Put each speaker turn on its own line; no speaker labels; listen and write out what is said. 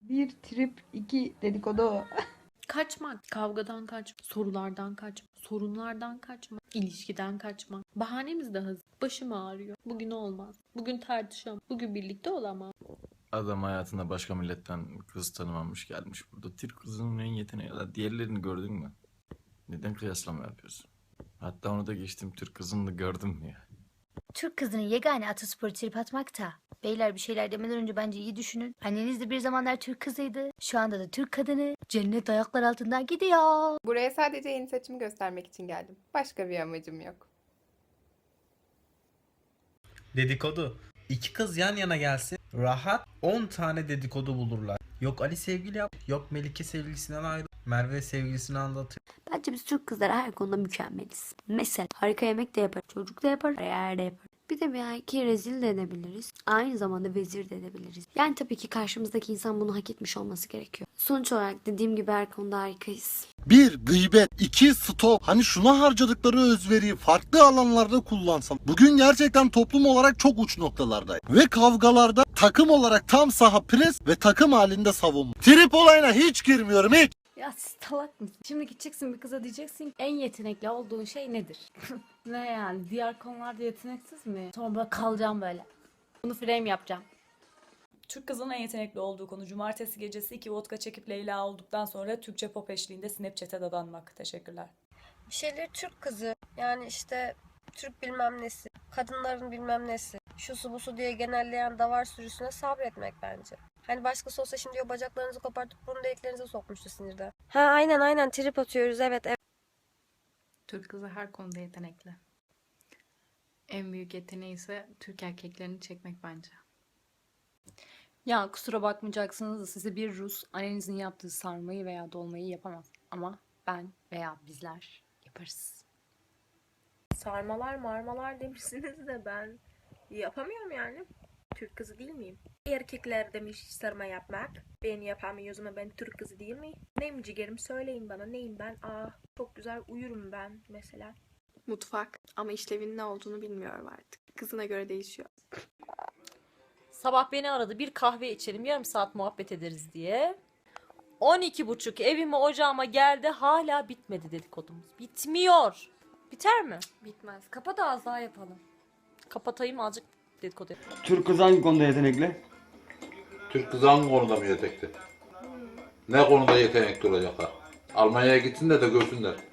Bir trip, iki dedikodu.
Kaçmak, kavgadan kaçmak, sorulardan kaçmak, sorunlardan kaçmak, ilişkiden kaçmak. Bahanemiz de hazır. Başım ağrıyor. Bugün olmaz. Bugün tartışamam. Bugün birlikte olamam.
Adam hayatında başka milletten kız tanımamış gelmiş burada. Türk kızının en yeteneği ya. Diğerlerini gördün mü? Neden kıyaslama yapıyorsun? Hatta onu da geçtim, Türk kızını da gördüm mü ya?
Türk kızının yegane atasporu trip atmakta. Beyler bir şeyler demeden önce bence iyi düşünün. Anneniz de bir zamanlar Türk kızıydı. Şu anda da Türk kadını. Cennet ayaklar altından gidiyor.
Buraya sadece yeni saçımı göstermek için geldim. Başka bir amacım yok.
Dedikodu. İki kız yan yana gelsin, rahat 10 tane dedikodu bulurlar. Yok Ali sevgili yap, yok Melike sevgilisinden ayrı, Merve sevgilisini anlatıyor.
Bence biz Türk kızları her konuda mükemmeliz. Mesela harika yemek de yapar, çocuk da yapar, yer de yapar. Bir de belki rezil de edebiliriz. Aynı zamanda vezir de edebiliriz. Yani tabii ki karşımızdaki insan bunu hak etmiş olması gerekiyor. Sonuç olarak dediğim gibi her konuda harikayız.
Bir gıybet, iki stok. Hani şuna harcadıkları özveriyi farklı alanlarda kullansam. Bugün gerçekten toplum olarak çok uç noktalardayım. Ve kavgalarda takım olarak tam saha pres ve takım halinde savunma. Trip olayına hiç girmiyorum hiç.
Ya siz salak mısın? Şimdi gideceksin bir kıza diyeceksin ki, en yetenekli olduğun şey nedir? Ne yani? Diğer konularda yeteneksiz mi? Sonra böyle kalacağım böyle. Bunu frame yapacağım.
Türk kızının en yetenekli olduğu konu cumartesi gecesi 2 vodka çekip Leyla olduktan sonra Türkçe pop eşliğinde Snapchat'e dadanmak. Teşekkürler.
Bir şeyleri Türk kızı, yani işte Türk bilmem nesi, kadınların bilmem nesi, şusu busu diye genelleyen davar sürüsüne sabretmek bence. Hani başkası olsa şimdi o bacaklarınızı kopartıp burun deliklerinize sokmuştu sinirden. Ha aynen trip atıyoruz, evet.
Türk kızı her konuda yetenekli. En büyük yeteneği ise Türk erkeklerini çekmek bence.
Ya kusura bakmayacaksınız da size bir Rus annenizin yaptığı sarmayı veya dolmayı yapamaz. Ama ben veya bizler yaparız.
Sarmalar marmalar demişsiniz de ben yapamıyorum yani. Türk kızı değil miyim? Erkekler demiş sarma yapmak. Ben yapamıyoruz ama ben Türk kızı değil miyim? Neyim ciğerim, söyleyin bana neyim ben? Çok güzel uyurum ben mesela.
Mutfak ama işlevin ne olduğunu bilmiyorum artık. Kızına göre değişiyor.
Sabah beni aradı, bir kahve içelim, yarım saat muhabbet ederiz diye. 12.30 evime ocağıma geldi, hala bitmedi dedikodumuz. Bitmiyor. Biter mi?
Bitmez. Kapa da az daha yapalım.
Kapatayım, azıcık dedikodu yapalım.
Türk kızı hangi konuda yetenekli?
Türk kızı hangi konuda mı yetenekli? Ne konuda yetenekli olacaklar? Almanya'ya gitsinler de görsünler.